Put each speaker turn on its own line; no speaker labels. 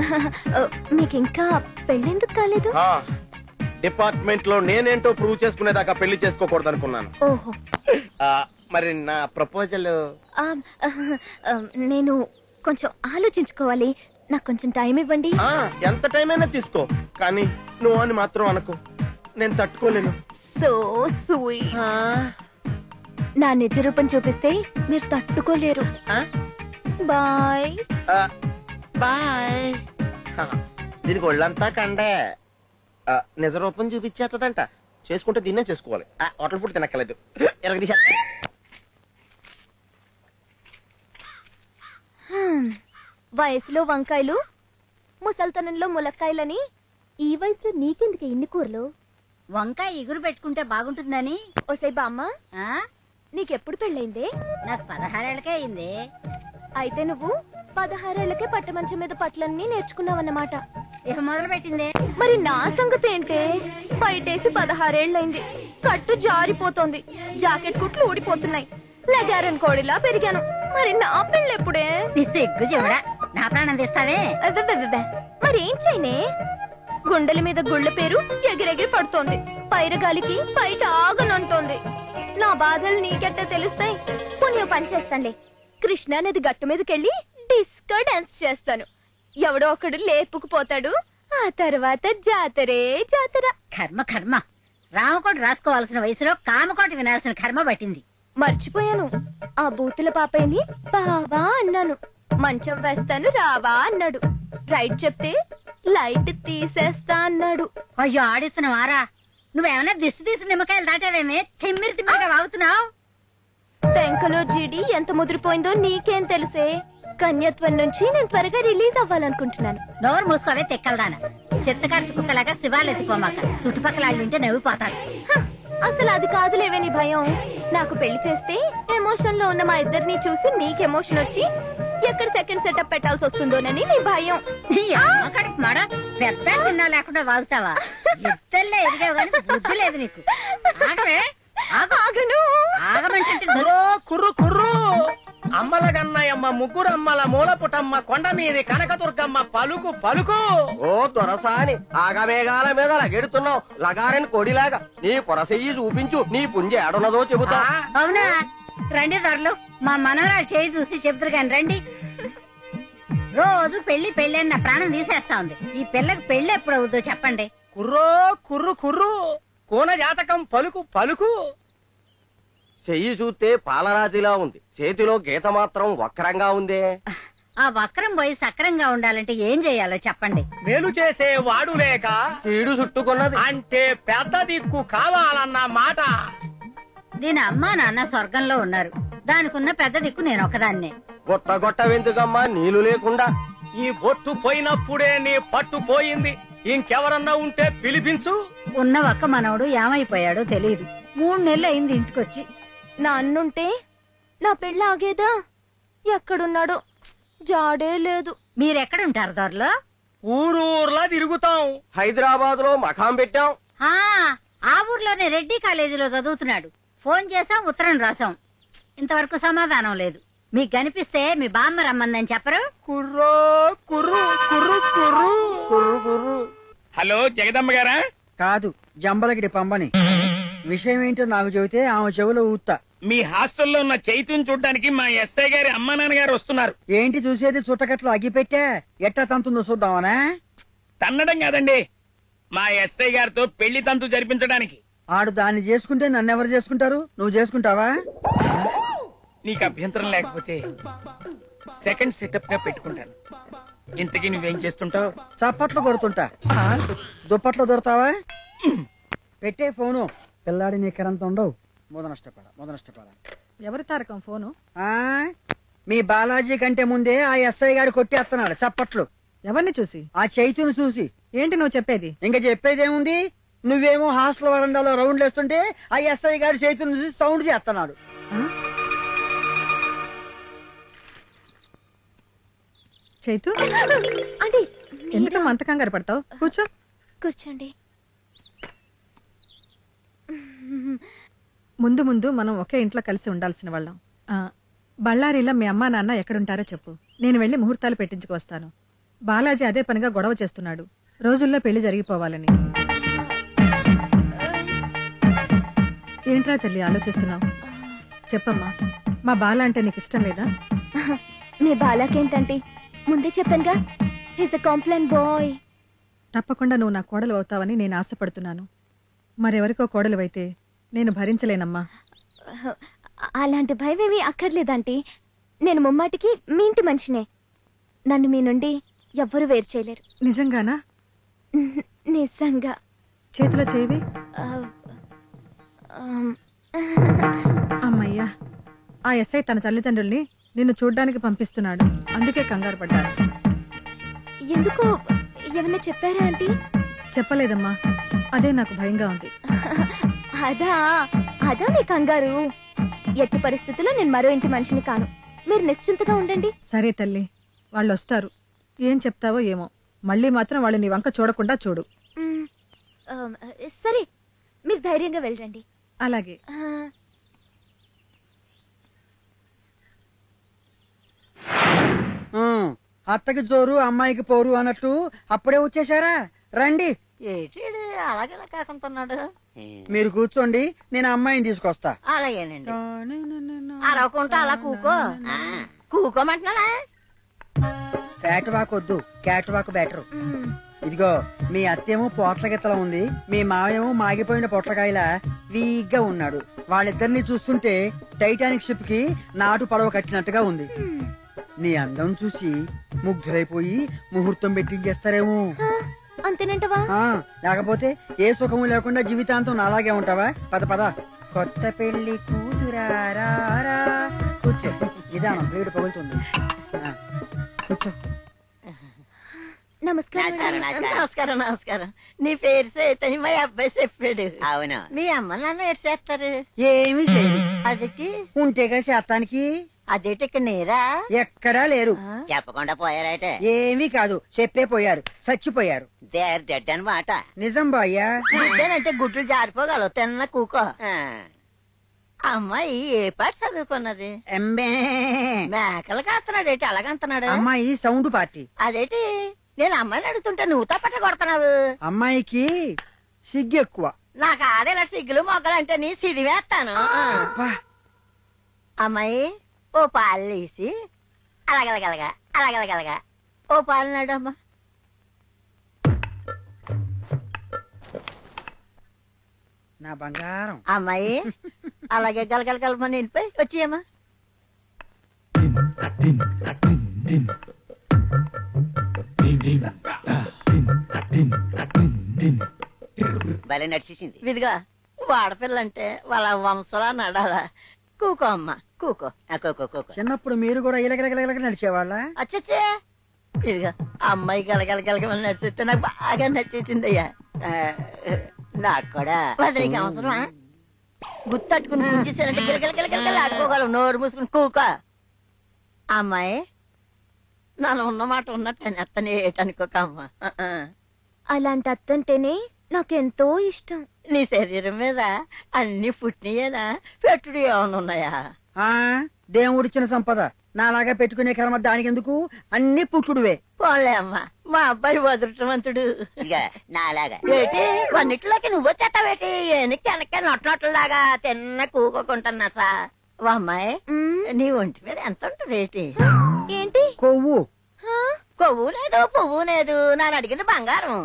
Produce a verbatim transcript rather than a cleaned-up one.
మీకు ఇంకా పెళ్ళెందుకు కాలేదు?
డిపార్ట్మెంట్ లో నేనేంటో ప్రూవ్ చేసుకునేదాకా పెళ్లి చేసుకోకూడదు అనుకున్నాను.
ఓహో.
మరి నా ప్రపోజల్?
నేను కొంచెం ఆలోచించుకోవాలి, నాకు కొంచెం టైం ఇవ్వండి.
ఎంత టైం అయినా తీసుకో, కానీ నువ్వు అని మాత్రం అనుకో, నేను తట్టుకోలేను.
So sweet. నా నిజ రూపం చూపిస్తే మీరు తట్టుకోలేరు. Bye
bye. దీనికి ఒళ్ళంతా కండే. నిజ రూపం చూపించేస్తుందంట, చేసుకుంటే దీన్నే చేసుకోవాలి. హోటల్ ఫుడ్ తినక్కలేదు.
వయసులో వంకాయలు, ముసల్తనంలో ములక్కాయలని. ఈ వయసులో నీకెందుకు ఇన్ని కూరలు?
వంకాయ ఎగురు పెట్టుకుంటే బాగుంటుందని.
ఓసై బామ్మ, నీకెప్పుడు పెళ్ళైందే?
నాకు పదహారేళ్లకే అయింది.
అయితే నువ్వు పదహారేళ్లకే పట్టమంచం మీద పట్లన్నీ నేర్చుకున్నావన్నమాట.
ఇక మొదలు పెట్టిందే.
మరి నా సంగతి ఏంటే? బయటేసి పదహారేళ్లైంది, కట్టు జారిపోతోంది, జాకెట్ కుట్లు ఊడిపోతున్నాయి, లగారన్ కోడిలా పెరిగాను. మరి నా పెళ్ళెప్పుడే?
సిగ్గు చెవుడా, నా ప్రాణం తీస్తావే.
మరేం చేయనే? గుండెల మీద గుళ్ళ పేరు ఎగిరెగిరి పడుతోంది, పైరగాలికి బయట ఆగనంటోంది. నా బాధలు నీకెట్టే తెలుస్తాయి? పుణ్యం పనిచేస్తానులే, కృష్ణా నది గట్టు మీదకెళ్ళి డిస్కో డాన్స్ చేస్తాను. ఎవడో ఒకడు లేపుకుపోతాడు, ఆ తర్వాత జాతరే జాతర.
కర్మ కర్మ, రామకోటి రాసుకోవాల్సిన వయసులో కామకోటి వినాల్సిన కర్మ పట్టింది.
మర్చిపోయాను, ఆ బూతుల పాపయ్యని బావా అన్నాను. మంచం వేస్తాను రావా అన్నాడు. రైట్ చెప్తే లైట్ తీసేస్తా అన్నాడు.
అయ్యో ఆడిస్తున్నావారా? నువ్వేమన్నా దిష్టి తీసి నిమ్మకాయలు దాటావేమే? తిమ్మిరి తిమ్మిరిగా వాగుతున్నావు.
టెంకలో జీడి ఎంత ముదిరిపోయిందో నీకేం తెలుసే? కన్యత్వం నుంచి నేను త్వరగా రిలీజ్ అవ్వాలనుకుంటున్నాను.
నోరు మూసుకోవే తెక్కలదాన. చెత్తకార్తి కుక్కలాగా శివాలు ఎత్తుకోమాక, చుట్టుపక్కల వాళ్ళు వింటే నవ్విపోతారు.
అసలు అది కాదులేవే నీ భయం. నాకు పెళ్లి చేస్తే ఎమోషన్ లో ఉన్న మా ఇద్దరిని చూసి నీకు ఎమోషన్ వచ్చి ఎక్కడ సెకండ్ సెటప్ పెట్టాల్సి వస్తుందోనని నీ భయం.
మాడ పెద్ద చిన్న లేకుండా వాగుతావా? ఇద్దరులో ఎదిగావు కానీ బుద్ధి లేదు నీకు. ఆగమంటే
కుర్రు కుర్రు అమ్మల గన్నయమ్మ, ముగ్గురు అమ్మల మూల పుటమ్మ, కొండ మీది కనకదుర్గమ్మ పలుకు పలుకు. ఓ దొరసాని, ఆగమేఘాల మీద లగెడుతున్నావు లగారని కొడిలాగా. నీ పొరసెయ్యి చూపించు, నీ పుంజి ఏడున్నదో చెబుతా.
అవునా? రండి దొరలు, మా మనవరాలు చేయి చూసి చెప్తారు కానీ రండి. రోజు పెళ్లి పెళ్లి అని నా ప్రాణం తీసేస్తా ఉంది. ఈ పిల్లకి పెళ్లి ఎప్పుడు అవుతుందో చెప్పండి.
కుర్రో కుర్రు కుర్రు, కోన జాతకం పలుకు పలుకు. చెయ్యి చూస్తే పాలరాతిలా ఉంది, చేతిలో గీత మాత్రం వక్రంగా ఉందే.
ఆ వక్రం పోయి సక్రంగా ఉండాలంటే ఏం చెయ్యాలో చెప్పండి.
మేలు చేసే వాడు లేక కీడు చుట్టుకున్నది అంటే పెద్ద దిక్కు కావాలన్న మాట.
దీని అమ్మా నాన్న స్వర్గంలో ఉన్నారు, దానికున్న పెద్ద దిక్కు నేను ఒకదాన్నే.
గొట్ట గొట్ట వెందుకమ్మా నీళ్లు లేకుండా? ఈ బొట్టు పోయినప్పుడే నీ పట్టు పోయింది, ఇంకెవరన్నా ఉంటే పిలిపించు.
ఉన్న ఒక్క మనవడు ఏమైపోయాడో తెలియదు. మూడు నెలలు అయింది ఇంటికొచ్చి.
నా అన్నుంటే నా పెళ్ళి ఆగేదా? ఎక్కడున్నాడో జాడే లేదు.
మీరెక్కడుంటారు దొరలో?
ఊరూర్లా తిరుగుతాం. హైదరాబాద్ లో మకాం పెట్టాం.
ఆ ఊర్లోనే రెడ్డి కాలేజీలో చదువుతున్నాడు. ఫోన్ చేసాం, ఉత్తరం రాసాం, ఇంతవరకు సమాధానం లేదు. మీకు కనిపిస్తే మీ బామ్మ రమ్మందని చెప్పరు?
కుర్రో కుర్రు కుర్రు కుర్రు కుర్రు కుర్రు.
హలో జగదమ్మ గారా?
కాదు, జంబలగిడి పంబని. విషయం ఏంటో నాకు చెబితే ఆమె చెవులో ఊత్తా.
మీ హాస్టల్లో ఉన్న చైతుని చూడడానికి మా ఎస్ఐ గారి అమ్మా నాన్నగారు వస్తున్నారు.
ఏంటి చూసేది? చుట్టకట్లు అగ్గిపెట్టా ఎట్టా తంతుందో చూద్దామనా?
తన్నడం కాదండి, మా ఎస్ఐ గారితో పెళ్లి తంతు జరిపించడానికి.
ఆడు దాన్ని చేసుకుంటే నన్నెవరు చేసుకుంటారు? నువ్వు చేసుకుంటావా?
నీకు అభ్యంతరం లేకపోతే సెకండ్ సెటప్ గా పెట్టుకుంటాను. ఇంతకీ నువ్వేం చేస్తుంటావు?
చప్పట్లు కొడుతుంటా. దుప్పట్లో దొరుకుతావా? పెట్టే ఫోను. పిల్లాడి నీ కరంత ఉండవు. మొద నష్టపడ మొద నష్టపడ
ఎవరి తారకం ఫోను?
ఆ మీ బాలాజీ కంటే ముందే ఆ ఎస్ఐ గారు కొట్టేస్తున్నాడు చప్పట్లు.
ఎవరిని చూసి?
ఆ చైతును చూసి.
ఏంటి నువ్వు చెప్పేది?
ఇంకా చెప్పేదేముంది? నువ్వేమో హాస్టల్ వరండాలో రౌండ్లు వేస్తుంటే ఆ ఎస్ఐ గారు చైతును చూసి సౌండ్ చేస్తున్నాడు.
చైతు,
అంటే
ఎందుకమ్మా అంత కంగారు పడతావు? కూర్చో.
కూర్చోండి.
ముందు ముందు మనం ఒకే ఇంట్లో కలిసి ఉండాల్సిన వాళ్ళం. బళ్ళారిలో మీ అమ్మా నాన్న ఎక్కడుంటారో చెప్పు, నేను వెళ్లి ముహూర్తాలు పెట్టించుకొస్తాను. బాలాజీ అదే పనిగా గొడవ చేస్తున్నాడు రోజుల్లో పెళ్లి జరిగిపోవాలని. ఏంట్రా తల్లి ఆలోచిస్తున్నావు? చెప్పమ్మా, మా బాల అంటే నీకు ఇష్టం లేదా?
మీ బాలాకేంటంటే ముందే చెప్పానుగా, హిస్ అ కాంప్లైంట్ బాయ్.
తప్పకుండా నువ్వు నా కోడలు అవుతావని నేను ఆశపడుతున్నాను. మరెవరికో కోడలు అయితే నేను భరించలేనమ్మా.
అలాంటి భయం ఏమీ అక్కర్లేదంటీ. నేను ముమ్మాటికి మీ ఇంటి మనిషినే. నన్ను మీ నుండి ఎవ్వరూ వేరు చేయలేరు.
నిజంగానా?
నిజంగా.
చేతిలో చేవి.
ఆ, ఆమ్,
అమ్మయ్యా, ఆ ఎస్ఐ తన తల్లిదండ్రుల్ని నిన్ను చూడ్డానికి పంపిస్తున్నాడు. అందుకే కంగారు పడ్డాను.
ఎందుకు ఏమన్నా చెప్పారా ఆంటీ?
చెప్పలేదమ్మా, అదే నాకు భయంగా ఉంది.
అదా అదా మీ కంగారు. ఎట్టి పరిస్థితుల్లో నేను మరో ఇంటి మనిషిని కాను. మీరు నిశ్చింతగా ఉండండి.
సరే తల్లి, వాళ్ళు వస్తారు. ఏం చెప్తావో ఏమో. మళ్ళీ మాత్రం వాళ్ళు నీ వంక చూడకుండా చూడు.
మ్, ఆమ్, సరే, మీరు ధైర్యంగా వెళ్ళండి.
అలాగే.
ఆ,
ఉమ్, అత్తకి జోరు అమ్మాయికి పోరు అన్నట్టు అప్పుడే వచ్చేసారా? రండి,
ఏటి అలాగేలా కాకుంటున్నాడు.
మీరు కూర్చోండి, నేను అమ్మాయిని తీసుకొస్తా.
అలాగేనండి. అరవకుంటా అలా కూకో. కూకోమంటున్నానా?
ఫ్యాట్ వాక్ వద్దు, క్యాట్ వాక్ బెటర్.
మ్,
ఇదిగో, మీ అత్తేమో పోట్ల గిత్తలా ఉంది, మీ మావేమో మాగిపోయిన పొట్లకాయలా వీగ్గా ఉన్నాడు. వాళ్ళిద్దరిని చూస్తుంటే టైటానిక్ షిప్ కి నాటు పడవ కట్టినట్టుగా ఉంది.
మ్.
నీ అందం చూసి ముగ్ధులైపోయి ముహూర్తం పెట్టించేస్తారేమో.
ఆ, అంతేనంటవా?
ఆ, లేకపోతే ఏ సుఖము లేకుండా జీవితాంతం అలాగే ఉంటావా? పద పద. కొత్త పెళ్లి కూతురారా, కూర్చో. నిదానం, వేడి పగులుతుంది. ఆ, కూర్చో.
నమస్కారం.
నమస్కారం నమస్కారం. నీ పేరు సేతని మా అబ్బాయి చెప్పాడు.
అవును.
మీ అమ్మ నాన్న ఎటు చేస్తారు?
ఏమి చేయరు.
అదేటి
ఉంటేగా శాతానికి.
అదేటి ఇక్కడ నేరా?
ఎక్కడా లేరు.
చెప్పకుండా పోయారైతే
ఏమీ కాదు, చెప్పే పోయారు, చచ్చిపోయారు.
దేర్ డెడ్ అనమాట.
నిజం బాయ్యా.
ఇదేనంటే గుడ్లు జారిపోగలవు. తిన్న కూకో. అమ్మాయి ఏ పాట చదువుకున్నది?
ఎంబే.
మేకలు కాస్తున్నాడు ఏంటి అలాగంటున్నాడు?
అమ్మాయి సౌండ్ పార్టీ.
అదేటి నేను అమ్మాయిని అడుగుతుంటే నువ్వు తప్పట కొడుతున్నావు.
అమ్మాయికి సిగ్గు ఎక్కువ.
నాకు ఆడేలా సిగ్గులు మొగ్గలంటే నీ సిరివేస్తాను.
అబ్బా,
అమ్మాయి ఓ పాలు వేసి అలాగలగలగా అలాగలగలగా ఓ పాలు నాడు అమ్మా.
నా బంగారం.
అమ్మాయి అలాగే గలగలగలమని వెళ్ళిపోయి వచ్చేయమ్మా.
భలే నడిచేసింది.
ఇదిగా వాడపిల్లంటే వాళ్ళ వంశలా నడాలా. కూకో అమ్మా కూకో.
చిన్నప్పుడు మీరు కూడా ఇలగలగలగలగ నడిచేవాళ్ళ?
అచ్చచ్చే ఇదిగా అమ్మాయి గలగలగలగమని నడిచితే నాకు బాగా నచ్చేసిందయ్యా.
నాకు కూడా.
వదిలికి అవసరమా? గుర్తట్టుకుని గుంజేసానంటే గిలగలగలగల ఆడుకోగలవు. నోరు మూసుకుని కూకో. అమ్మాయి నన్ను ఉన్నమాట ఉన్నట్టు అత్తనే ఏటనుకోక అమ్మా.
అలాంటి అత్తంటేనే నాకెంతో ఇష్టం.
నీ శరీరం మీద అన్ని పుట్టినయేనా పెట్టుడు ఏమైనా ఉన్నాయా?
ఆ, దేవుడిచ్చిన సంపద నాలాగా పెట్టుకునే కర్మ దానికి ఎందుకు? అన్ని పుట్టుడువే.
పోలే అమ్మా, మా అబ్బాయి వదృష్టవంతుడు.
నాలాగా
ఏటి వన్నిటిలోకి నువ్వు వచ్చేస్తావేటి? ఎనక్కి వెనక్కి నొట్టనొట్టలాగా తిన్న కూకోకుంటున్నా సా. ఓ అమ్మాయి,
మ్,
నీ ఒంటి మీద ఎంత ఉంటుంది ఏంటి?
ఏంటి?
కొవ్వు.
హా?
కొవ్వు లేదు పువ్వు లేదు. నన్ను అడిగింది బంగారం.